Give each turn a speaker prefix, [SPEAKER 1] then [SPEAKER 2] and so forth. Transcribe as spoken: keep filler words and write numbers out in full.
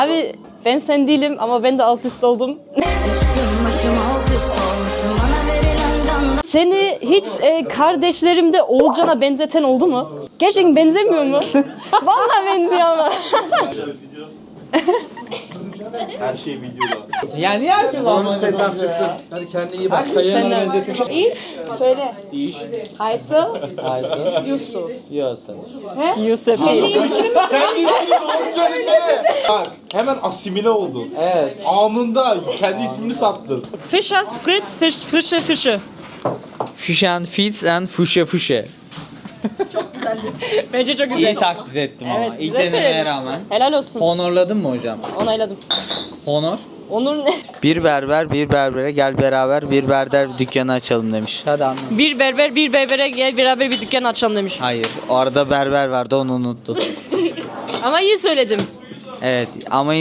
[SPEAKER 1] Abi ben sen değilim ama ben de alt üst oldum. Seni hiç e, kardeşlerimde Oğulcan'a benzeten oldu mu? Gerçekten benzemiyor mu? Vallahi benziyor ama.
[SPEAKER 2] Her şey videoda.
[SPEAKER 3] Yani niye herkes
[SPEAKER 4] Onun setupçısı. Hadi kendine iyi bak.
[SPEAKER 3] Kayanlara benzetim.
[SPEAKER 5] İş, söyle.
[SPEAKER 3] İş.
[SPEAKER 5] Haysel,
[SPEAKER 3] Aysun.
[SPEAKER 5] Yusuf.
[SPEAKER 3] Yiyorsun.
[SPEAKER 1] Yusuf.
[SPEAKER 2] Bak hemen asimile oldun.
[SPEAKER 3] Evet.
[SPEAKER 2] Anında kendi ismini sattın.
[SPEAKER 1] Fischers Fritz, Fisch, frische Fische.
[SPEAKER 3] Fish and feeds and fuşe fuşe.
[SPEAKER 1] Bence çok güzel.
[SPEAKER 3] İyi taklit ettim ama.
[SPEAKER 1] Evet,
[SPEAKER 3] İlk
[SPEAKER 1] güzel
[SPEAKER 3] denemeye
[SPEAKER 1] söyledin.
[SPEAKER 3] rağmen.
[SPEAKER 1] Helal olsun.
[SPEAKER 3] Honorladın mı hocam?
[SPEAKER 1] Onayladım.
[SPEAKER 3] Honor.
[SPEAKER 1] Onur ne?
[SPEAKER 3] Bir berber bir berbere gel beraber bir berber dükkanı açalım demiş. Hadi anlat.
[SPEAKER 1] Bir berber bir berbere gel beraber bir dükkan açalım demiş.
[SPEAKER 3] Hayır. Orada berber vardı onu unuttun.
[SPEAKER 1] Ama iyi söyledim.
[SPEAKER 3] Evet ama